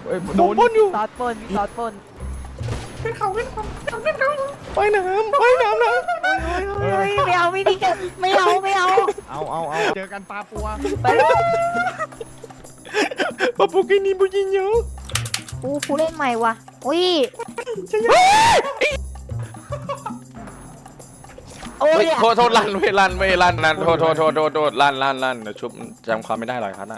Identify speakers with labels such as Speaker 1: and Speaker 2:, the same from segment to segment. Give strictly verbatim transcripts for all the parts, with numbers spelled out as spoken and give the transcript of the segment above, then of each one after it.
Speaker 1: โดนปนอยู่
Speaker 2: ตอดปนตอดปน
Speaker 1: ขึ้นเขาขึ้นเขาขึ้นเขาไปน้ำไปน้ำนะ
Speaker 2: ไม่เอาไม่ดีกันไม่เอาไม่เอา
Speaker 1: เอาเอาเอาเจอกันปลาปัว
Speaker 2: ไปเลย
Speaker 1: ปลาปูกินนี่บุญยิงเยอะ
Speaker 2: อู้ผู้เล่นใหม่ว่ะอุ้ยโอ้ย
Speaker 3: โทษโทษลั่นเว้ยลั่นเว้ยลั่นลั่นโทษโทษโทษโทษโทษลั่นลั่นลั่นเดี๋ยวชุบจำความไม่ได้หรอกครับนะ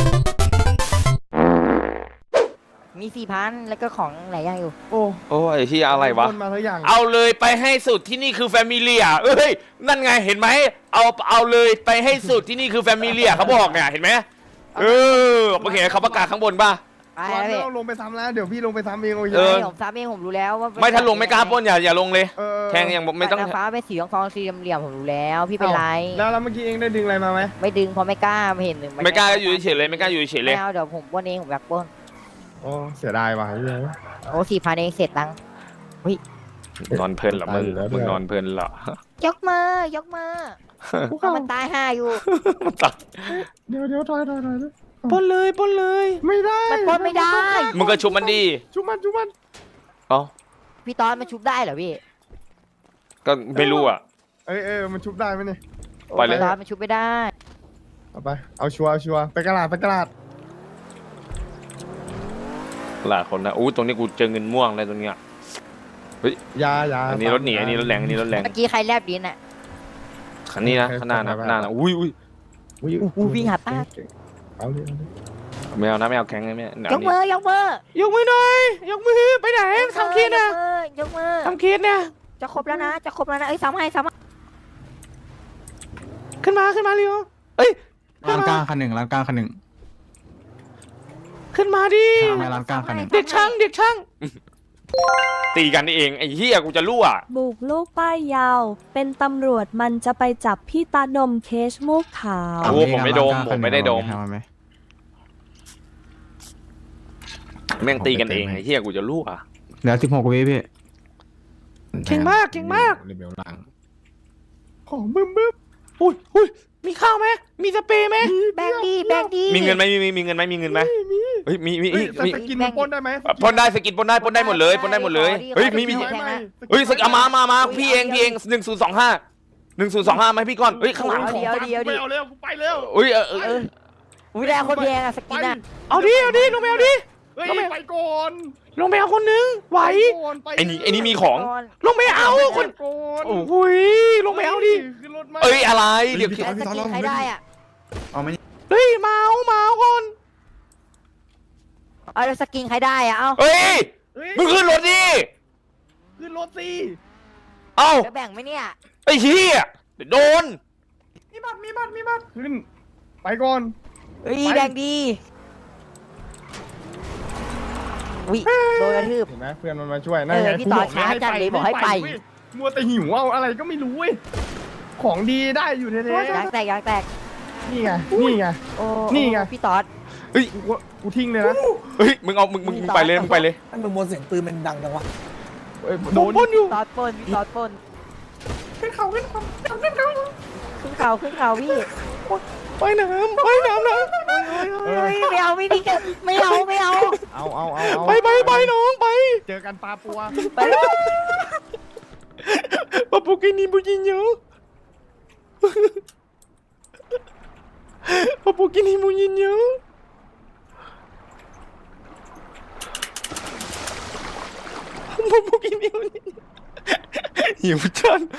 Speaker 2: มีสี่พันแล้วก็ของหลายอย่างอยู่
Speaker 1: โอ้
Speaker 3: โอ้ยที่อะไรวะ
Speaker 1: คนมาทุกอย่าง
Speaker 3: เอาเลยไปให้สุดที่นี่คือแฟมิเลียเอ้ยนั่นไงเห็นไหมเอาเอาเลยไปให้สุดที่นี่คือแฟมิเลียเขาบอกเนี่ยเห็นไหมเออโอเคเขาประกาศข้างบนป่ะ
Speaker 2: ไป
Speaker 1: ตอน
Speaker 2: แล้ว
Speaker 1: นี้
Speaker 2: พี่
Speaker 1: เราลงไปซ้ำแล้วเดี๋ยวพี่ลงไปซ้ำเองโอ้ย
Speaker 3: เออ
Speaker 2: ผมซ้ำเองผมรู้แล้วว่า
Speaker 3: ไม่ถ้าลงไม่กล้าปล้นอย่าอย่าลงเลย
Speaker 1: เออ
Speaker 3: แทงยังไม่ต้อง
Speaker 2: ฟ้าเป็นสีทองสีเหลี่ยมผมรู้แล้วพี่เป็นไร
Speaker 1: แล้วแล้วเมื่อกี้เองได้ดึงอะไรมาไหม
Speaker 2: ไม่ดึงเพราะไม่กล้าไม่เห็นหนึ่ง
Speaker 3: ไม่กล้าอยู่เฉยเลยไม่กล้าอยู่เฉยเลย
Speaker 2: ไม่เอาเดี๋ยวผมปล้นเองผมอยากปล้น
Speaker 1: โอ้เสียดายว่ะเฮ้ย
Speaker 2: โอ้สี่พันเองเสร็จตังค์
Speaker 3: นอนเพลินเหรอมึงมึงนอนเพลินเหรอย
Speaker 2: กมือยกมือเอามันตายห่าอยู่
Speaker 3: มันตัด
Speaker 1: เดี๋ยวเดี๋ยวถอยถอยถอย
Speaker 3: ปล้นเลยปล้นเลย
Speaker 1: ไม่ได้
Speaker 2: มันปล้นไม่ได้
Speaker 3: มึงก็ชุบมันดี
Speaker 1: ชุบมันชุบมัน
Speaker 3: เอ้า
Speaker 2: พี่ตอนมันชุบได้เหรอพี่
Speaker 3: ก็ไม่รู้อ่ะ
Speaker 1: เอ้ยเออมันชุบได้ไหมเนี่ย
Speaker 3: ไปเลย
Speaker 2: พี่ตอนมันชุบไม่ได้
Speaker 1: เอาไปเอาชัวร์เอาชัวร์ไปกระดาษไปกระดาษ
Speaker 3: หลายคนนะอู้ตรงนี้กูเจอเงินม่วงเลยตรงเนี้ย
Speaker 1: ยายา
Speaker 3: อันนี้รถหนีอันนี้รถแรงอันนี้รถแรง
Speaker 2: เมื่อกี้ใครแลบดินอ่ะ
Speaker 3: คันนี้นะข้างหน้านะข้างหน้านะอุ้ยอุ้ย
Speaker 2: อู้วิ่งหาป้า
Speaker 1: เอาเลย
Speaker 3: ไม่เอานะไม่เอาแข็งนะไม่เอา
Speaker 2: ยกมือยกมือย
Speaker 3: กมือหน่อยยกมือไปไหนทำคิดนะ
Speaker 2: ยกมือยกมือ
Speaker 3: ทำคิดเนี่ย
Speaker 2: จะครบแล้วนะจะครบแล้วนะเอ้ยซ้ำให้ซ้ำให้
Speaker 3: ขึ้นมาขึ้นมาเร็วเอ้ย
Speaker 4: ร้านกลางคันหนึ่งร้านกลางคันหนึ่ง
Speaker 3: ขึ้นมาดิ
Speaker 4: ทำไมร้านกลางคันหนึ่ง
Speaker 3: เด็กช่างเด็กช่างตีกันนี่เองไอ้เหี้ยกูจะรั่ว
Speaker 5: บุกลูกป้ายยาว เป็นตำรวจมันจะไปจับพี่ตาดมเคชมูกขาว
Speaker 3: โอ้ผมไม่ดมผมไม่ได้ดม
Speaker 4: ทำไหม
Speaker 3: แม่งตีกันเองไอ้เหี้ยกูจะรั่ว
Speaker 4: เหลือสิบหกวิพี่
Speaker 3: เก่งมากเก่งมาก
Speaker 4: รีวิวล่าง
Speaker 1: ของบึ้มบึ้ม
Speaker 3: อุ้ยอุ้ยมีข้าวไหมมีสเปรย์ไหม
Speaker 2: แบงดีแบงดี
Speaker 3: มีเงินไหมมีมีมีเงินไหมมีเงินไหมเฮ้ยมีมี
Speaker 1: เฮ้ย
Speaker 3: มี
Speaker 1: แต่สกินมันปนได้ไหม
Speaker 3: ปล้นได้สกินปล้นได้ปล้นได้หมดเลยปล้นได้หมดเลยเฮ้ยมีมี
Speaker 1: ไม่ไม่
Speaker 3: เฮ้ยสกินเอามามามาพี่เองพี่เองหนึ่งศูนย์สองห้าหนึ่งศูนย์สองห้าไหมพี่ก่อนเฮ้ยข้างหลัง
Speaker 2: เดียวเดียว
Speaker 1: ไป
Speaker 2: ดิ
Speaker 1: เอาเร็วกูไปเร็ว
Speaker 3: เฮ้ยเออเออ
Speaker 2: เอออุ้ยแรงคนแพงอะสกินอะ
Speaker 3: เอาดิเอาดิลงไปเอาดิ
Speaker 1: เฮ้ยไปก่อน
Speaker 3: ลงไปเอาคนนึงไหว
Speaker 1: ก่อนป
Speaker 3: ไอ้นี่ไอ้นี่มีของ
Speaker 2: ก่อน
Speaker 3: ลงไปเอาคน
Speaker 1: ก่อน
Speaker 3: โอ้ยลงไปเอาดิ
Speaker 1: ขึ้นรถมา
Speaker 3: เอ้ยอะไรเดี๋ยว
Speaker 2: แล้วสกินใครได้อะ
Speaker 4: เอาไหม
Speaker 3: เฮ้ยมาเอามาเอาก่อน
Speaker 2: เอาแล้วสกินใครได้อะเอา
Speaker 3: เฮ้ย
Speaker 1: เฮ้ย
Speaker 3: มึงขึ้นรถดิ
Speaker 1: ขึ้นรถสิ
Speaker 3: เอ้า
Speaker 2: จะแบ่งไหมเนี่ย
Speaker 3: ไอ้เหี้ยเดี๋ยวโดน
Speaker 1: มีบัตรมีบัตรมีบัตรขึ้นไปก่อน
Speaker 2: เฮ้ย
Speaker 1: ไป
Speaker 2: แดงดีวิโดนกระทืบ
Speaker 1: เห็นไหมเพื่อนมันมาช่วยนั่นไง
Speaker 2: เออพี่ต่อช้าจังเลยบอกให้ไป
Speaker 1: เว้ยมัวแต่หิวเอาอะไรก็ไม่รู้เว้ยของดีได้อยู่แท้
Speaker 2: ยางแตกยางแตก
Speaker 1: ๆนี่ไงนี่ไง
Speaker 2: โอ้
Speaker 1: นี่ไง
Speaker 2: พี่ตอด
Speaker 1: กูก็กูทิ้งเลยนะ
Speaker 3: เฮ้ยมึงเอามึงมึงมึงไปเลยมึงไปเลย
Speaker 6: มันเป็นมวลเสียงปืนมันดังจังวะ
Speaker 1: เอ้ยโดนปนอยู่
Speaker 2: ตอดปนพี่ตอดปน
Speaker 1: ขึ้นเขาขึ้นเขาขึ้นเขา
Speaker 2: ขึ้นเขาขึ้นเขาพี่
Speaker 3: ไปน้ำไปน้ำนะ
Speaker 2: เฮ้ยไม่เอาไม่ดีกันไม่เอาไม่เอา
Speaker 1: เอาเอาเอาเอา
Speaker 3: ไปไปไปน้องไป
Speaker 1: เจอกันปลาปัว
Speaker 2: ไปเลย
Speaker 3: ปะปุกินี่บุญยิงเยอะปะปุกินี่บุญยิงเยอะปะปุกินี่บุญยิงหิวจัง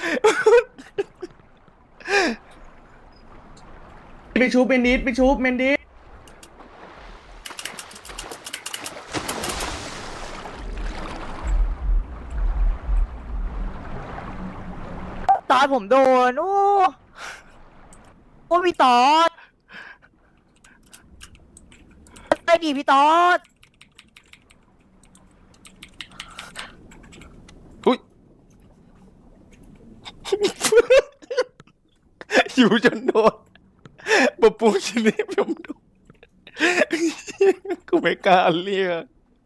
Speaker 1: ไปชูเป็นนิดไปชูเมนดิส
Speaker 2: ตอนผมโดนโอ้โอ้พี่ตอดไปดิพี่ตอด
Speaker 3: อุ้ยหิวจนโดนปะปุกินี่ผมโดนกูไม่กล้าเรียก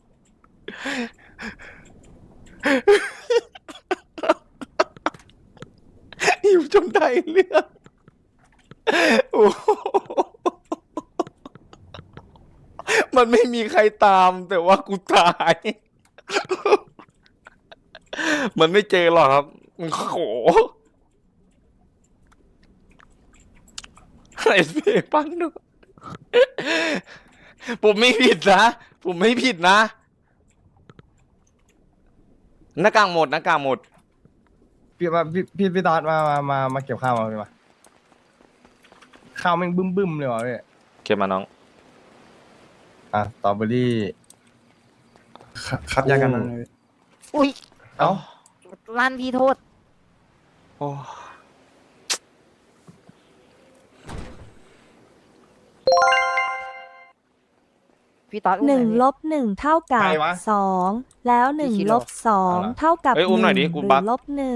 Speaker 3: หิวจนได้เรื่องโอ้มันไม่มีใครตาม แต่ว่ากูตาย มันไม่เจอหรอกครับโอ้โหไอ้เพียปังดูผมไม่ผิดนะ ผมไม่ผิดนะหน้ากากหมดหน้ากากหมด
Speaker 1: พี่มาพี่พี่พี่ตอดมามามามาเก็บข้าวมาพี่มาข้าวแม่งบึ้มบึ้มๆเลยวะพี่
Speaker 3: เก็บมาน้อง
Speaker 1: อ่ะสตรอเบอรี่
Speaker 4: ครับยากันนะ
Speaker 2: อุ้ย
Speaker 1: เอ้า
Speaker 2: ลั่นพี่โทษ
Speaker 3: โอ้
Speaker 2: พี่ตอดอุ้ม
Speaker 5: หนึ่ง
Speaker 2: อยพี่
Speaker 5: ลบหนึ่งเท่ากับสองแล้วหนึ่ง
Speaker 2: พี่คิด
Speaker 5: ล
Speaker 2: เหรอ
Speaker 5: บสองเท่ากับ
Speaker 3: เอ้ยอุ้มหน่อยดิ
Speaker 5: นึ่ง
Speaker 3: กู
Speaker 5: หรื
Speaker 3: บั
Speaker 5: อก ลบหนึ่ง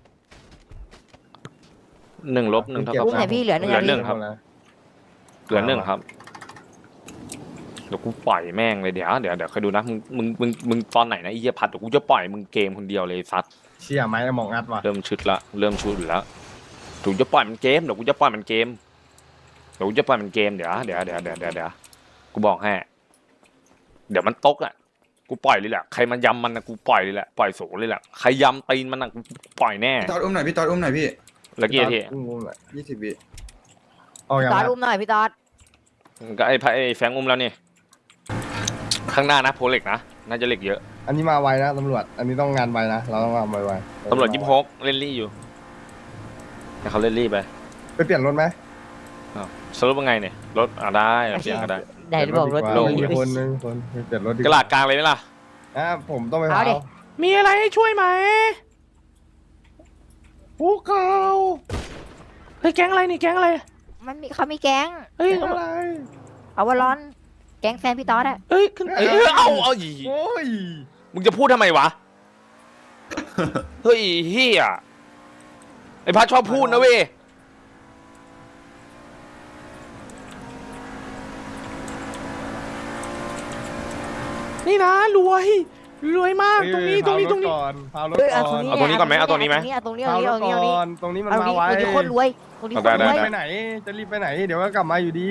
Speaker 3: หนึ่งลบหนึ่งเท่ากับ
Speaker 2: อุ้มไหนพี่เหลือหนึ่ง
Speaker 3: เหลือหนึ่ง
Speaker 2: นาที
Speaker 3: ครับ เหลือหนึ่งครับ เดี๋ยวกูปล่อยแม่งเลยเดี๋ยวเดี๋ยวเดี๋ยวคอยดูนะมึงมึงมึงมึงตอนไหนนะไอ้เหี้ยพัดเดี๋ยวกูจะปล่อยมึงเกมคนเดียวเลยซัด
Speaker 1: เชี่ยไม้มองอัดว่ะ
Speaker 3: เริ่มชุดละเริ่มชุดแล้วถูกจะปล่อยมันเกมเดี๋ยวกูจะปล่อยมันเกมเดี๋ยวกูจะปล่อยมันเกมเดี๋ยวเดี๋ยวเดี๋ยวเดี๋ยวเดี๋ยวเดี๋ยวกูบอกให้เดี๋ยวมันตกอ่ะกูปล่อยเลยแหละใครมันยำมันนะกูปล่อยเลยแหละปล่อยโสเลยแหละใครยำตีนมันนะกูปล่อยแน่
Speaker 4: พี่ตอดอุ้มหน่อยพี่ตอดอุ้มหน่อยพี่
Speaker 3: แล้วกี่นาที
Speaker 1: อุ้มอุ้มหน่อย
Speaker 4: ยี่สิบวิ
Speaker 1: เอา
Speaker 2: พี่
Speaker 1: อย่าง
Speaker 2: ตอด
Speaker 1: นั้น
Speaker 2: อุ้มหน่อยพี่ตอด
Speaker 3: ก็ไอ้พระไอ้แฟงอุ้มแล้วนี่ข้างหน้านะโพเหล็กนะน่าจะเหล็กเยอะ
Speaker 1: อันนี้มาไวนะตำรวจ อันนี้ต้องงานไวนะ เราต้องงานไวๆ
Speaker 3: ตำรวจยิบฮกเล่นรี่อยู่แต่เขาเล่นรี่ไป
Speaker 1: ไปเปลี่ยนรถไหม
Speaker 3: สรุปว่าไงเนี่ยรถอ่ะได้เปลี่ยนก็ได้
Speaker 2: ไหนบอกรถ
Speaker 1: ล
Speaker 2: ดี
Speaker 1: งมีคนนึงคนไปเปลี่ยนรถดี
Speaker 3: กระลาดกลางเลยไหมล่ะ
Speaker 1: อ่ะผมต้องไป
Speaker 2: เอาดิ
Speaker 3: มีอะไรให้ช่วยไหม
Speaker 1: ผู้เก่า
Speaker 3: เฮ้ยแก๊งอะไรนี่แก๊งอะไร
Speaker 2: มันมีเขามีแก๊ง
Speaker 3: เฮ้ย
Speaker 1: อะไร
Speaker 2: เอาวอลลอน แก๊งแฟนพี่ตอดอะ
Speaker 3: เฮ้ยขึ้นเอ้ยเอาเอาอี
Speaker 1: โอ้ย
Speaker 3: มึงจะพูดทำไมวะ เฮ้ยเฮียไอพัดชอบพูดนะเว้ยนี่นะรวยรวยมากตรงนี้ตรงนี้ตรงนี้
Speaker 1: พาวรถ
Speaker 2: เอ้ย
Speaker 1: ก่
Speaker 2: เอา
Speaker 1: อน
Speaker 2: ตรงนี้
Speaker 3: เอาตรงนี้ก่อนไหมเอาตรงนี้ไหม
Speaker 2: เอาตรงนี้
Speaker 1: พา
Speaker 2: เอา
Speaker 1: ว
Speaker 2: ตรง
Speaker 1: ร
Speaker 2: นี้
Speaker 1: ถ
Speaker 2: เอาตรงนี้
Speaker 1: ก่อนตรงนี้มัน
Speaker 2: เอาตรง
Speaker 1: มา
Speaker 2: นี้
Speaker 1: ไว
Speaker 2: ตรงนี้โคตรรวยตรงนี้โคตร
Speaker 3: ได้
Speaker 2: รวย
Speaker 3: ได้
Speaker 1: ไปไหน จะรีบไปไหน เดี๋ยวก็กลับมาอยู่ดี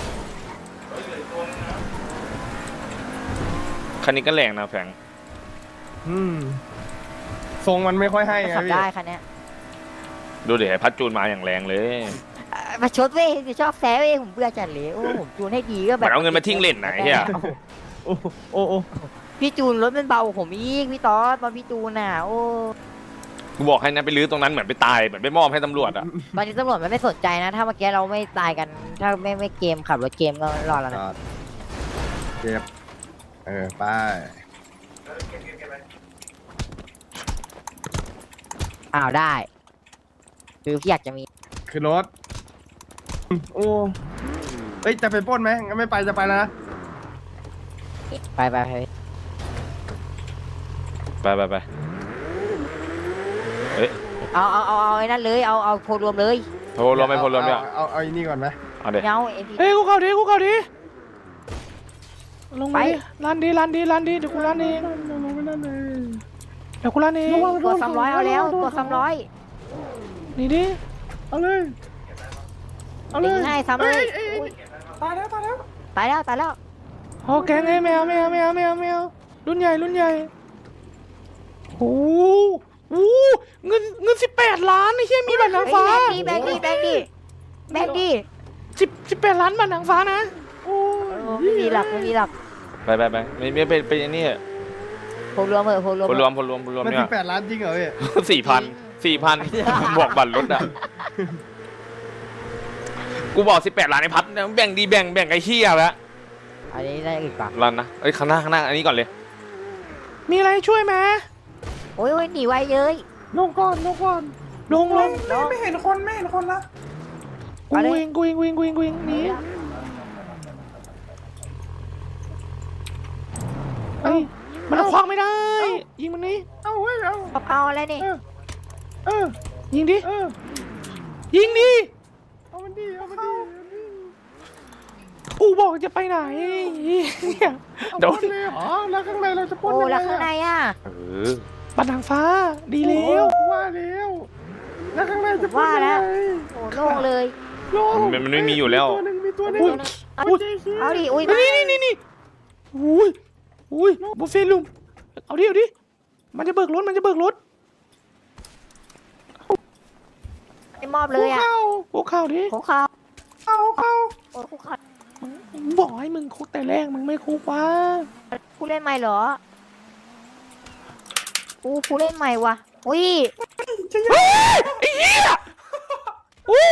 Speaker 3: คันนี้ก็แรงนะแฟง
Speaker 1: อืมทรงมันไม่ค่อยให้ไง
Speaker 2: ขับ
Speaker 1: พี่
Speaker 2: ได้คันเนี้ย
Speaker 3: ดูเดี๋ยวไอ้พัดจูนมาอย่างแรงเลย
Speaker 2: เอ่อมาชดเว้ยชอบแซวเว้ยผมเบื่อจัดเลยโอ้ผมจูนให้ดีก็แบ
Speaker 3: มั
Speaker 2: บ
Speaker 3: นเอาเงินมาทิ้งเล่นไหนเฮีย
Speaker 1: โอ้โอ้โอ้
Speaker 2: พี่จูนรถมันเบากว่าผมอีกพี่ตอดตอนพี่จูนน่ะโอ้
Speaker 3: กูบอกให้นะไปลื้อตรงนั้นเหมือนไปตายเหมือนไปมอบให้ตำรวจอะ
Speaker 2: ตอนนี้ตำรวจมันไม่สนใจนะ ถ้าเมื่อกี้เราไม่ตายกัน ถ้าไม่ไม่เกมขับรถเกมก็รอดแล้วนะ
Speaker 1: เก็บเออไป
Speaker 2: อ้าวได้คือพี่อยากจะมี
Speaker 1: คือรถโอ้เฮ้ยจะไปปล้นไหมงั้นไม่ไปจะไปแล้วนะ
Speaker 2: ไปไปไป
Speaker 3: ไปไปไปเฮ้ย
Speaker 2: เอาเอาเอาเอาไอ้นั่นเลยเอาเอาโพลรวมเลย
Speaker 3: โทรรวมไปโทรรวมเนี่ย
Speaker 1: เอาเอาเอาไอ้นี่ก่อนไหม
Speaker 3: เอาเดี๋ยว
Speaker 2: เงาเอ็มพี
Speaker 3: เฮ้ยกูเข้าดิกูเข้าดิลง
Speaker 2: ไป
Speaker 3: ไปร้านดีร้านดีร้านดีเดี๋ยวกูร้านเองเดี๋ยวกูร้านเอง
Speaker 2: ตัวสามร้อยเอาแล้วตัวสามร้อย
Speaker 3: นี่ดิ
Speaker 1: เอาเลยเอาเลย
Speaker 2: ให้ซ้ำเลย
Speaker 1: อ้อ้
Speaker 2: อุ๊ย
Speaker 1: ตายแล้วตายแล้ว
Speaker 2: ตายแล้วตายแล้ว
Speaker 3: โอแกงไอ้แมวแมวแมวแมวแมวรุ่นใหญ่รุ่นใหญ่โอ้โหเงินเงินสิบแปดล้านไอ้เหี้ยมีบัตรนางฟ้า
Speaker 2: แบงค์ดีแบงค์ดีแบงค์ดีแบงค์ดี
Speaker 3: สิบสิบแปดล้านบัตรนางฟ้านะโอ้
Speaker 2: ไม่มีหลักไม่มีหลัก
Speaker 3: ไปไปไปไม่ไม่ไปไปนี่
Speaker 2: โพลรวมเออโพลรวม
Speaker 3: พลรวมพลรวมพลรวม
Speaker 1: มัน
Speaker 3: เนี่
Speaker 1: สิ
Speaker 3: ย
Speaker 1: บแปดล้านจริงเหรอพี่
Speaker 3: สี่พันสี่พันบวกบัตรรถอ่ะกูบอกสิบแปดล้านไอ้พัดแบ่งดีแบ่งแบ่งไอ้เหี้ยแล้ว
Speaker 2: อันนี้ได้อีกปะ
Speaker 3: รันนะเอ้ยข้างหน้าข้างหน้าอันนี้ก่อนเลย มีอะไรช่วยไหม
Speaker 2: โอ้ยโอ้ยหนีไวเลย
Speaker 1: ลงก่อนลงก่อน
Speaker 3: ลงลง
Speaker 2: ไม่เห็น
Speaker 3: กูเองกูเองกูเองกูเองกูเองหนี่เอ้ยมันเอาคว้างไม่ได้ ยิงมันนี่
Speaker 1: เอาเว้ยเอา
Speaker 2: เอาอะไรนี่
Speaker 1: เออ
Speaker 3: ยิงดิ
Speaker 1: เออ
Speaker 3: ยิงดิ
Speaker 1: เอามันดีเอามันดี
Speaker 3: กูบอกจะไปไหนเนี่ย
Speaker 1: เอา
Speaker 3: โด
Speaker 1: ปล้
Speaker 3: น
Speaker 1: นเลยเหรอแล้วข้างในเราจะปล้น
Speaker 2: โอ้
Speaker 1: ยังไง
Speaker 2: แล้วข้างใน
Speaker 1: อะ
Speaker 2: อ่ะ
Speaker 3: เออบัตรนางฟ้าดีแล้
Speaker 1: โอ้
Speaker 3: ว
Speaker 1: ว่าแล้วแล้วข้างในจะปล้น
Speaker 2: ว่า
Speaker 1: ยัง
Speaker 2: แล้
Speaker 1: ไง
Speaker 2: วโอ้โล่งเลย
Speaker 1: โล่ง
Speaker 3: มันมันไม่มีอยู่แล้ว
Speaker 1: ตัวหนึ่งมีตัวหนึ่ง
Speaker 3: อุ้ย
Speaker 2: เอา
Speaker 1: อุ้ย
Speaker 2: เอาดิอุ้ย
Speaker 3: นี่นี่นี่นี่อุ้ยอุ้ยบุฟเฟ่ลุมเอาดิเอาดิมันจะเบิกรถมันจะเบิกรถ
Speaker 2: ไม่มอบเลยอ่ะ
Speaker 3: คุกเข่าดิ
Speaker 2: คุกเข่า
Speaker 1: เข้าเข้า
Speaker 2: โอ้คุกเข่า
Speaker 3: บอกให้มึงคุกแต่แรกมึงไม่คุกวะ
Speaker 2: ผู้เล่นใหม่เหรออู้ผู้เล่นใหม่ว่ะอุ้ย
Speaker 3: ไอ้เหี้ยอู้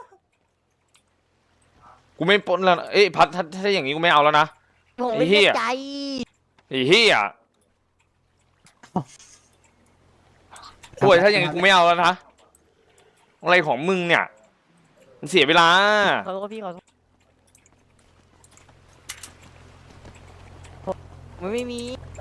Speaker 3: กูไม่ปล้นแล้วนะเอ้ยพัดถ้าถ้าอย่างงี้กูไม่เอาแล้วนะ
Speaker 2: ผมไม่
Speaker 3: ไอ้เหี้
Speaker 2: ได้
Speaker 3: ย
Speaker 2: ใจ
Speaker 3: ไอ้เหี้ยป่วยถ้าอย่างงี้กูไม่เอาแล้วนะอะไรของมึงเนี่ยมันเสียเวลา
Speaker 2: ขอโทษพี่ขอโทษมันไม่มี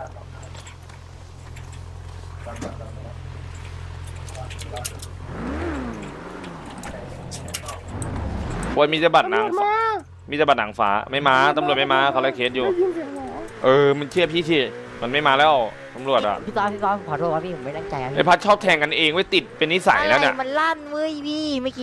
Speaker 3: ป่วยมีแต่บัตรนาง
Speaker 1: ตำรวจมา
Speaker 3: มีแต่บัตรหนังฟ้าไม่มาตำรวจไม่มาเขาไล่เคสอยู่
Speaker 1: ได้ยินเสียงหรอ
Speaker 3: เออมันเชื่อพี่ที่มันไม่มาแล้วตำรวจอ่ะ
Speaker 2: พี่ตอนพี่ตอนขอโทษครับพี่ผมไม่ตั้งใจครับ
Speaker 3: ไอ้พัดชอบแทงกันเองไว้ติดเป็นนิสัยแล้วเนี่ย
Speaker 2: อะไรมันลั่นเว้ยพี่เมื่อกี้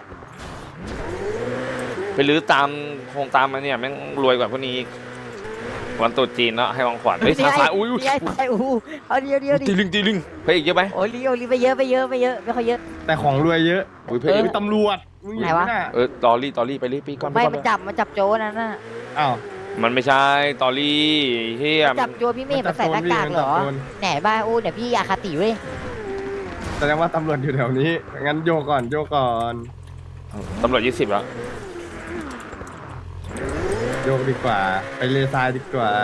Speaker 3: ไปรื้อตามโครงตามมาเนี่ยแม่งรวยกว่าพวกนี้อีกวันตรุษจีนแล้วให้ของขวัญเฮ้ยทางซ้ายอุ้ยอุ้ย
Speaker 2: ใช่ใช่อู้เอาเดียวเดียวดิ
Speaker 3: ตีลึงตีลึงเฮ้ยอีกเยอะไหม
Speaker 2: โอ้ยลีโอลีไปเยอะไปเยอะไปเยอะไม่ค่อยเยอะ
Speaker 1: แต่ของรวยเยอะ
Speaker 3: อุ้ย
Speaker 1: เฮ้
Speaker 3: เฮ้
Speaker 1: ย
Speaker 3: ย
Speaker 1: ตำรวจมึงเห็นไหม
Speaker 2: ไหนวะ
Speaker 1: น่ะ
Speaker 3: เออตอรี่ตอรี่ไปรีบปีก่อน
Speaker 2: ไม่
Speaker 3: ก่อน
Speaker 2: มันจับมันจับโจนั่นน่ะ
Speaker 1: อ้าว
Speaker 3: มันไม่ใช่ตอรี่เฮีย
Speaker 2: จับโจพี่เมฆมาใส่หน้ากากเหรอ
Speaker 1: มันจับโจร
Speaker 2: ไหนบ้าอู้เดี๋ยวพี่อาคาติเว้ย
Speaker 1: แสดงว่าตำรวจอยู่แถวนี้งั้นโยกก่อนโยกก่อน
Speaker 3: ตำรวจยี่สิบแล้ว
Speaker 1: โยกดีกว่า ไปเลซายดีกว่า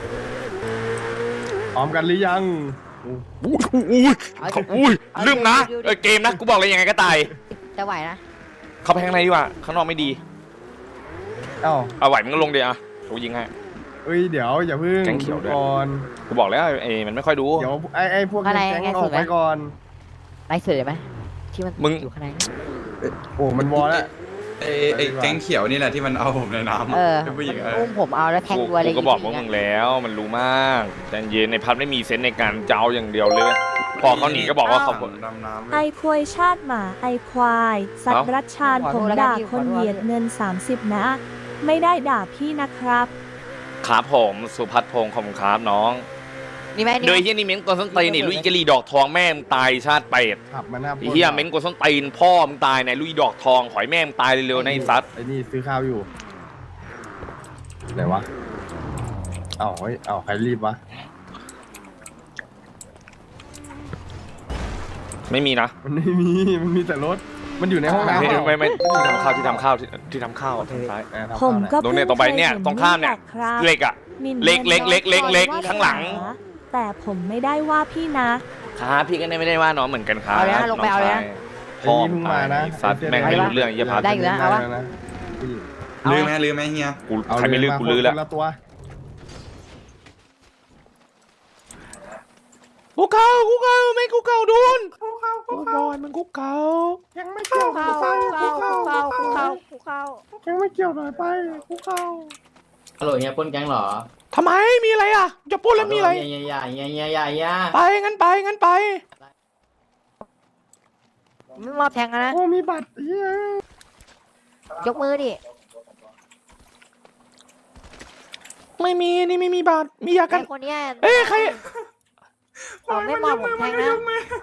Speaker 1: พร้อมกันหรือยัง
Speaker 3: อุ้ยอุ้ยอุ้ยลืมนะเออเกมนะกูบอกเลยยังไงก็ตาย
Speaker 2: จะไหวนะ
Speaker 3: เข้าไปข้างในดีกว่าข้างนอกไม่ดี
Speaker 1: เอ้า
Speaker 3: เอาไหวมึงก็ลงเดี๋ยวอ่ะกูยิงให้
Speaker 1: เอ้ยเดี๋ยวอย่าเพิ่ง
Speaker 3: แก๊งเขียวด้วย
Speaker 1: ก่อน
Speaker 3: กูบอกแล้วไอ้มันไม่ค่อยดู
Speaker 1: เดี๋ยวไอ้ไอ้พวกแก๊งออกไปก่อน
Speaker 2: ไล่เสือไหมที่มัน
Speaker 3: มึง
Speaker 2: อยู่ข้างใน
Speaker 1: โอ้มันวอลแล้ว
Speaker 4: ไอ้ไอ้แก๊งเขียวนี่แหละที่มันเอาผมในน้ำ
Speaker 2: เออ
Speaker 4: เป็นผู้หญิงเอ
Speaker 2: มัน
Speaker 4: อ
Speaker 2: อุ้มผมเอาแล้วแทง
Speaker 3: กู
Speaker 2: ตัวอะไร
Speaker 3: กูก็บอกพวก
Speaker 2: ย่าง
Speaker 3: มึ
Speaker 2: เงี้
Speaker 3: ง
Speaker 2: ย
Speaker 3: แล้วมันรู้มากแต่เย็นในพัดไม่มีเซนส์ในการเจ้าอย่างเดียวเลย พอเขาหนีก็บอกว่าเขา
Speaker 4: ดำน้ำ
Speaker 5: ไอควยชาติหมาไอควาย สัตว์รัชชานผมด่าคนเหยียดเงิน สามสิบ นะ ไม่ได้ด่าพี่นะครับ
Speaker 3: ครับผมสุพัฒน์พงศ์ขอบคุณครับน้อง
Speaker 2: นี่ไหมนี่
Speaker 3: โด
Speaker 2: ไหม
Speaker 3: ยเฮียนี่เม้งกวนส้นตีนนี่ลุยกะลีดอกทองแม่มึงตายชาติเป็ด
Speaker 1: ขับมาหน้า
Speaker 3: ไอ้เฮียเม้งกวนส้นตีนพ่อมึงตายในลุยดอกทองขอยแม่มึงตายเร็วๆในะไอ้ซัด
Speaker 1: ไอ้นี่ซื้อข้าวอยู่ไหนวะเอ้าเฮ้ยเอ้าใครรีบวะ
Speaker 3: ไม่มีนะ
Speaker 1: มันไม่มีมันมีแต่รถมันอยู่ในห้องน้ำ
Speaker 3: ไม่
Speaker 1: เปล่า
Speaker 3: ไม่ไม่ที่ทำข้าวที่ทำข้าวที่ที่ทำข้าวทางซ้าย
Speaker 1: เออทำ
Speaker 5: ผม
Speaker 1: ข้าว
Speaker 5: ก็
Speaker 3: ตรงเนี่ยตรงไปเนี่ยตรงข้ามเนี่ย
Speaker 5: ครับ
Speaker 3: เหล็กอ่ะ
Speaker 5: มิน
Speaker 3: เล็กเล็กเล็กเล็กเล็ก
Speaker 5: ว่า
Speaker 3: ข้างหลัง
Speaker 5: แต่ผมไม่ได้ว่าพี่นะ
Speaker 3: ครับพี่ก็ไม่ได้ว่าน้องเหมือนกันครับ
Speaker 2: เอาเลยนะลงไปเอาเลยนะ
Speaker 1: ไอ้นี่เพิ่งมานะ
Speaker 3: ซัดแม่งไม่รู้เรื่องไอ้เหี้ยพัด
Speaker 2: ได้อยู่นะเอาวะ
Speaker 1: นะผู้หญิง
Speaker 4: ลืมไหมลืมไหมเฮีย
Speaker 3: กู
Speaker 1: เอา
Speaker 3: ใครไม่ลืม
Speaker 1: า
Speaker 3: กูลือแล้ว
Speaker 1: คนละตัว
Speaker 3: กูเก่ากูเก่าไม่กูเก่าโดนกูเก่ากูบอยมันกูเก่า
Speaker 1: ยังไม่เกี่ยว
Speaker 2: เข้าเข้าเข้าเข้าเข้าเข้า
Speaker 1: ยังไม่เกี่ยวหน่อยไปกูเข้า
Speaker 6: ฮัลโหลเฮียปล้นแก๊งเหรอ
Speaker 3: ทำไมมีอะไรอ่ะจะพูดแล้วมีอะไร
Speaker 6: เฮียเฮียเฮียเฮียเฮียเฮีย
Speaker 3: ไปงั้นไปงั้นไป
Speaker 2: ไม่มอบแทงกันนะ
Speaker 1: โอ้มีบัตรเฮ้ย
Speaker 2: ยกมือดิ
Speaker 3: ไม่มีนี่ไม่มีบาทมียากั
Speaker 2: ไอ้
Speaker 3: น
Speaker 2: คนเนี้ย
Speaker 3: เอ้ยใคร
Speaker 2: ผมไม่มอบผมแทงนะ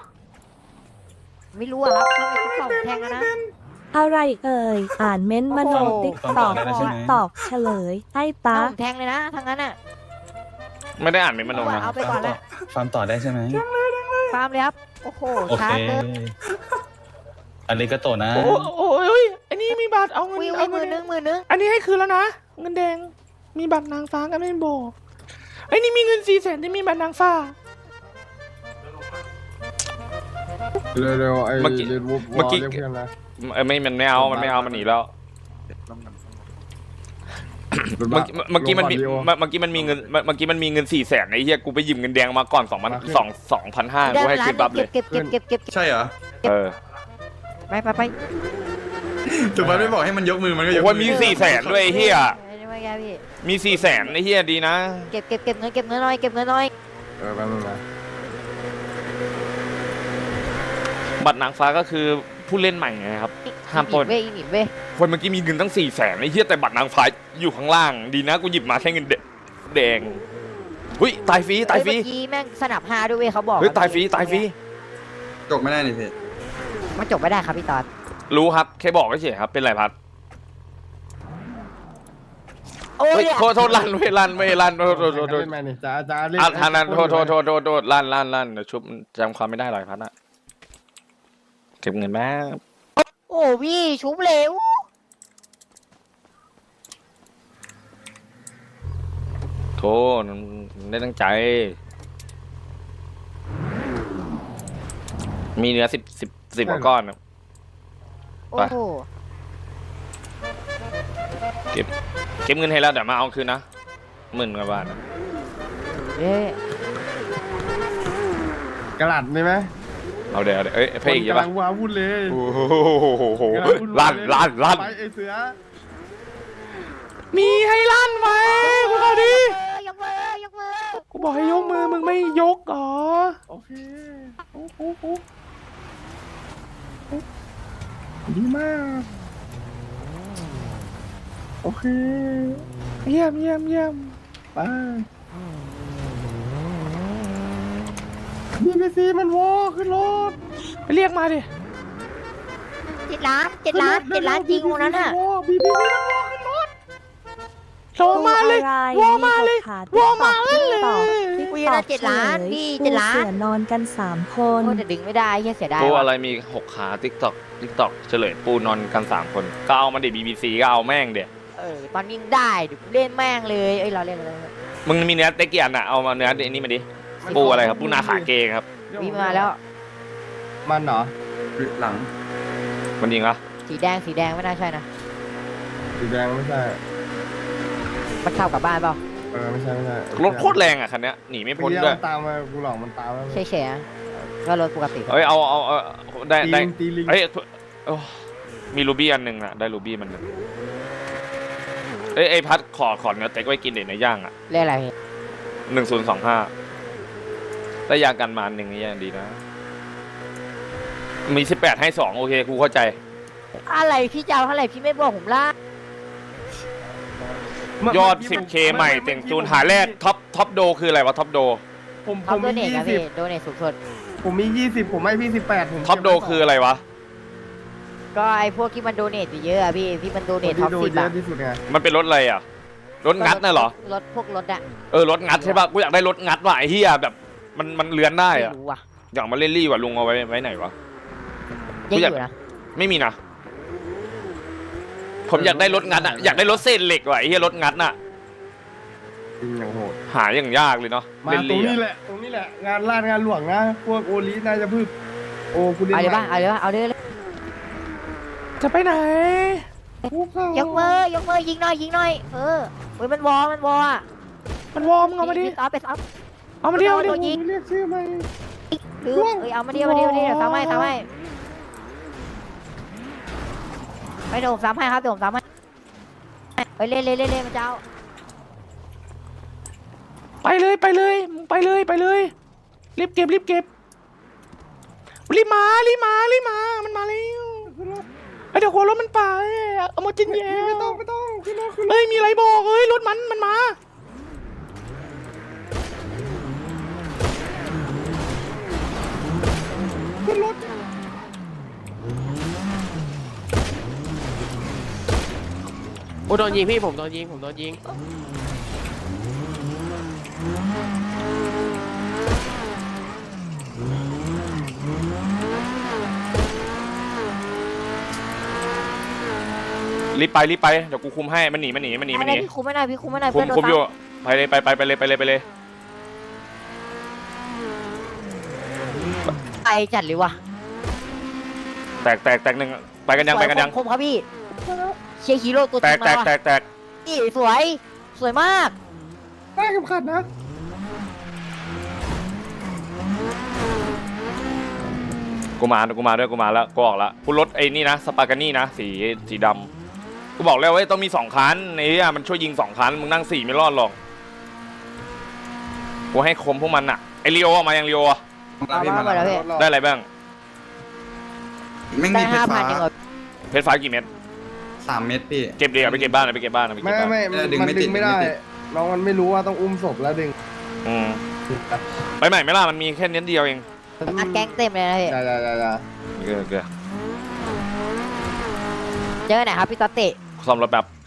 Speaker 2: ไม่รู้อะครับถ้าไม่คุกเข่าผมแทงกันนะ
Speaker 5: อะไรเอ่ย อ่านเม้นต์มโน
Speaker 2: โอ้โห
Speaker 5: ติ๊กตอกติ๊กตอกเฉลย ให้ตา
Speaker 2: ถ้าผมแทงเลยนะทั้งนั้นอะ
Speaker 3: ไม่ได้อ่านเป็นมโนนะ
Speaker 2: เอาไปก่อนละ
Speaker 7: ฟาร์มต่อได้ใช่ไหม
Speaker 2: ฟาร์มเลยครับโอ้โห
Speaker 7: โอ
Speaker 2: ช้า
Speaker 7: เค
Speaker 2: เกิน
Speaker 7: อันนี้ก็โตนะ
Speaker 3: โอ้โอ้ยอันนี้มีบัตรเอาเงิน
Speaker 2: วิว
Speaker 3: เอา
Speaker 2: มื
Speaker 3: เงิ
Speaker 2: อน นึงมือนึง
Speaker 3: อันนี้ให้คืนแล้วนะเงินแดงมีบัตรนางฟ้ากันไม่บอกไอ้นี่มีเงินสี่แสนที่มีบัตรนางฟ้า
Speaker 1: เร็วๆไอ้
Speaker 3: เมื่อกี้
Speaker 1: เรียนวูฟ
Speaker 3: เมื่อกี้
Speaker 1: เรียกเพื่อนนะ
Speaker 3: เออไม่มันไม่เอามันไม่เอามันหนีแล้ว เมื่อกี้เมื่อกี้มันมี
Speaker 1: ลง
Speaker 3: เมื่อเมื่อกี้มันมีเงินเมื่อเมื่อกี้มันมีเงินสี่แสนไอ้เหี้ยกูไปยืมเงินแดงมาก่อนสองพันสองสองพันห้ากูให้คืนปั๊บเลย
Speaker 2: เก็บเก็บเก็บเก็บเก็บ
Speaker 4: ใช่เหรอ
Speaker 3: เออ
Speaker 2: ไปไปไป
Speaker 4: ถูกไหมไม่บอกให้มันยกมือมันก็ยก
Speaker 3: โอ้ยมีสี่แสนด้วยไอ้เหี้ย
Speaker 2: ไม่ไม่แกพี่
Speaker 3: มีสี่แสนไอ้เหี้ยดีนะ
Speaker 2: เก็บเก็บเก็บเงินเก็บเงินหน่อยเก็บเงินหน่อย
Speaker 1: เออแป๊บนึงนะ
Speaker 3: บัตรนางฟ้าก็คือผู้เล่นใหม่ไงครับ ห้ามปล้น
Speaker 2: เว้ยอีหมิบเว้ย
Speaker 3: คนเมื่อกี้มีเงินตั้งสี่แสนไอ้เหี้ยแต่บัตรนางฟ้าอยู่ข้างล่างดีนะกูหยิบมาแค่เงินเด็กแดงหุ้ยตายฟรีตายฟรี
Speaker 2: เมื่อกี้แม่งสนับห้าด้วยเว้ยเขาบอก
Speaker 3: เฮ้ยตายฟรีตายฟรี
Speaker 4: จบไม่ได้นี่พี่
Speaker 2: มันจบไม่ได้ครับพี่ตอด
Speaker 3: รู้ครับแค่บอกเฉยๆครับเป็นไรพัด
Speaker 2: โอ้ย
Speaker 3: เฮ้ยโทษโทษลั่นเว้ยลั่นเว้ยลั่นโทษโทษโทษโทษ
Speaker 1: เล่นแมนนี่จ้าจ้าเล่น
Speaker 3: อ่ะทางนั้นโทษโทษโทษโทษโทษลั่นลั่นลั่นเดี๋ยวชุบจำความไม่ได้หรอกพัดอะเก็บเงินแม่
Speaker 2: โอ้พี่ชุบเร็ว
Speaker 3: โทษไม่ได้ตั้งใจ มีเนื้อสิบสิบสิบกว่าก้อนอะ
Speaker 2: โอ้โห
Speaker 3: เก็บเก็บเงินให้แล้วเดี๋ยวมาเอาคืนนะหมื่นกว่าบาทนะ
Speaker 2: เอ๊ะ
Speaker 1: กระดาษมีไหม
Speaker 3: เอาเดี๋ยวเอาเดี๋ยวเอ้ยเพลงอีก
Speaker 1: กำ
Speaker 3: ปะ
Speaker 1: ลังว้าวุ่นเลย
Speaker 3: โอ้โห
Speaker 1: กำลังวุ่วา
Speaker 3: ลั่น
Speaker 1: เลย
Speaker 3: ลั่นลั่น
Speaker 1: ไปไอเสือ
Speaker 3: มีให้ลั่นไหมกูเอาดิ
Speaker 2: ยกมือยกมือ
Speaker 3: กูบอกให้ยกมือมึงไม่ยกเหรอ
Speaker 1: โอเคโอ้โหโอ้โหดีมากโอเค
Speaker 3: เยี่ยมเยี่ยมเยี่ยม
Speaker 1: ไปบีบีซีมันวอขึ้นรถ
Speaker 3: ไปเรียกมาดิ
Speaker 2: เจ็ดล้านเจ็ดล้านเจ็ดล้านจริงวันนั้นอ่ะ
Speaker 1: บีบีซีมันวอขึ้นรถ
Speaker 3: โทรมาเลย วอมาเลย วอมาเลย
Speaker 5: ติ๊ก
Speaker 2: คุย
Speaker 5: ต
Speaker 2: นะ
Speaker 5: อก
Speaker 2: เจ็ดล้านพี่เจ็ดล้าน
Speaker 5: เสือนอนกันสามคน
Speaker 2: โอ้แต่ดึงไม่ได้แค่เสียดาย
Speaker 3: ปู
Speaker 2: ว่ะ
Speaker 3: อะไรมีหกขาติ๊กตอกติ๊กตอกเฉลยปูนอนกันสามคนก็เอามาดิบีบีซีก็เอาแม่งเดี๋ย
Speaker 2: เออตอนนี้ยังได้เดี๋ยวกูเล่นแม่งเลยเอ้ยเราเล่นอะไร
Speaker 3: มึงมีเนื้อเต็กกี่อันอะเอามาเนื้ออันนี้มาดิปูอะไรครับปูนาขาเกงครับ
Speaker 2: วิ่งมาแล้ว
Speaker 1: มันเหรอ
Speaker 4: หลัง
Speaker 3: มันยิงเหรอ
Speaker 2: สีแดงสีแดงไม่น่าใช่นะ
Speaker 1: สีแดงไม่ใช่
Speaker 2: มันเข้ากับบ้านเปล่า
Speaker 1: เออไม่ใช่ไม่ใช่
Speaker 3: รถโคตรแรงอะคันเนี้ยหนีไม่พ้น
Speaker 1: เมื่อกี้
Speaker 3: ด้วย
Speaker 1: มันตามมากูหลอกมันตามมา
Speaker 2: เฉยๆอะก็รถปกติ
Speaker 3: เฮ้ยเอาเอาเอาได้
Speaker 1: ตี
Speaker 3: ได้
Speaker 1: ลิงตีลิง
Speaker 3: เฮ้ยโอ้มีรูบี้อันหนึ่งอะได้รูบี้มันหนึ่งเอ้ยไอพัดขอขอเนื้อเต็กไว้กินเด็ดในย่างอะ
Speaker 2: เล่นอะไร
Speaker 3: หนึ่งศูนย์สองห้าได้ยากันมาหนึ่งนี่ยังดีนะ มีสิบแปดให้สองโอเคกูเข้าใจ
Speaker 2: อะไรพี่เจ้าเท่าไหร่พี่ไม่บอกผมล่ะ
Speaker 3: ยอด สิบเค ใหม่เต่งจูนหาแรกท็อปท็อปโดคืออะไรวะท็อปโด
Speaker 1: ผมผ
Speaker 2: เขา
Speaker 1: ม
Speaker 2: โด
Speaker 1: มี
Speaker 2: เนท
Speaker 1: ยี่
Speaker 2: ครับ
Speaker 1: สิ
Speaker 2: พี่
Speaker 1: บ
Speaker 2: โดเนทสูงสุด
Speaker 1: ผมมียี่สิบผมให้พี่สิบแปดผม
Speaker 3: ท็อปโดคืออะไรวะ
Speaker 2: ก็ไอพวกที่มันโดเนทเยอะอะพี่ที่มันโดเนทท็อป
Speaker 1: ดู
Speaker 2: สิบ
Speaker 1: เย
Speaker 2: อะ
Speaker 1: อะที่สุดไง
Speaker 3: มันเป็นรถอะไรอ่ะ รถงัดน่ะเหรอ
Speaker 2: รถพวกรถอะ
Speaker 3: เออรถงัดใช่ป่ะ กูอยากได้รถงัดว่ะไอ้เหี้ยแบบมันมันเลือนได้
Speaker 2: ไม่
Speaker 3: อ่ะ
Speaker 2: รู้อะ
Speaker 3: อยากมาเล่นรี่ว่ะลุงเอาไว้ไว้ไหนวะ
Speaker 2: ยังอ
Speaker 3: อยาก
Speaker 2: ยู่นะ
Speaker 3: ไม่มีนะ ผมอยากได้รถงัดอ่ะ อยากได้รถเส้นเหล็กว่ะไอ้เหี้ยรถงัดน่ะ
Speaker 1: จริงอย่างโหด
Speaker 3: หาอย่างยากเลยเนาะ
Speaker 1: มา
Speaker 3: เล่น
Speaker 1: ตรง
Speaker 3: รี่
Speaker 1: นี้
Speaker 3: อะ
Speaker 1: แหละตรงนี้แหละงานลาดงานหลวงนะพวกโอลิน่าจะพึ่งโอ้กูเล่น
Speaker 2: เอาเลยป่ะเอาเลยป่ะเอาเลยเลย
Speaker 3: จะไปไหน
Speaker 2: ยกมือยกมือยิงหน่อยยิงหน่อยเออเฮ้ยมันวอมันวออะ
Speaker 3: มันวอร์มเอามาดิ
Speaker 2: พี่ต๊อปไปต๊อป
Speaker 3: เอามาดิเอามาดิ
Speaker 2: โดนยิง
Speaker 1: เรียกชื่อไหม
Speaker 2: หรือเอ้ยเอามาดิเอามาดิเอามาดิเดี๋ยวซ้ำให้ซ้ำให้ไม่เดี๋ยวผมซ้ำให้ครับเดี๋ยวผมซ้ำให้ไปเล่นเล่นเล่นเล่นมันจะเอา
Speaker 3: ไปเลยไปเลยมึงไปเลยไปเลยรีบเก็บรีบเก็บรีบมารีบมารีบมามันมาแล้วไอเดี๋ยวหัวรถมันไปเอามาจินแย่
Speaker 1: ไม่ต้องไม่ต้องขึ้นรถขึ้นรถ
Speaker 3: เฮ้ยมีอะไรบอกเฮ้ยรถมันมันมา
Speaker 1: ขึ้นรถ
Speaker 8: โอ้โดนยิงพี่ผมโดนยิงผมโดนยิง
Speaker 3: รีบไปรีบไปเดี๋ยวกูคุมให้มันหนีมันหนีมันหนีมันห
Speaker 2: อะไร
Speaker 3: นี
Speaker 2: พี่คุมไม่ได้พี่คุมไม่ได้
Speaker 3: คุ
Speaker 2: เพื่อ
Speaker 3: ม
Speaker 2: นโดน
Speaker 3: คุม
Speaker 2: ซ้
Speaker 3: อยู่ไปเลยไปไปไปเลยไปเลยไปเลย
Speaker 2: ำไปจัดเลยว่ะ
Speaker 3: แตกแตกแตกหนึ่งไปกันยังไปกันยัง
Speaker 2: คมครับพี่เชียร์ฮีโร่ตัวจ
Speaker 3: แต
Speaker 2: ริ
Speaker 3: ก
Speaker 2: ง
Speaker 3: แต
Speaker 2: มาก ว่ะ
Speaker 3: แตกแตก
Speaker 2: นี่สวยสวยมาก
Speaker 1: ได้เข็มขัดนะ
Speaker 3: กูมากูมาด้วยกูมาแล้วกูออกแล้วกูรถไอ้นี่นะสปากานี่นะสีสีดำกูบอกแล้วว่าต้องมีสองคันไอ้เนี่ยมันช่วยยิงสองคันมึงนั่งสี่ไม่รอดหรอกกูให้คมพวกมันอะไอเรียวออกมายังเรียวอะ
Speaker 4: มาพี่มา
Speaker 2: เอามา
Speaker 4: แล้ว
Speaker 2: พี่
Speaker 3: ได้อะไรบ้าง
Speaker 4: ไม่
Speaker 2: ได้
Speaker 4: มีเพช
Speaker 2: ห้าร พั
Speaker 4: ฟ้าน
Speaker 2: ยังเหรอ
Speaker 3: เพชรฟ้ากี่เม็ด
Speaker 4: สามเม็ดพี่
Speaker 3: เก็บเดียวไปเก็บบ้านเลยไปเก็บบ้านเลยไป
Speaker 1: ไม่
Speaker 3: เก็บบ้าน
Speaker 1: ไม่
Speaker 4: เออดึง
Speaker 1: มัน
Speaker 4: ไม่
Speaker 1: ดึ
Speaker 4: ติด
Speaker 1: งไม่ได้
Speaker 4: ดึงไม่ติด
Speaker 1: น้องมันไม่รู้ว่าต้องอุ้มศพแล้วดึง
Speaker 3: อืมไปใหม่ไหมล่ะมันมีแค่เน้นเดียวเอง
Speaker 2: อัดแก๊งเต็มเลยนะพี่
Speaker 1: อย่าอย่าอย่าอย่า
Speaker 3: เกลือเกลือ
Speaker 2: เจอไหนครับพี่ตอตติ
Speaker 3: ซ่อมรถแบบ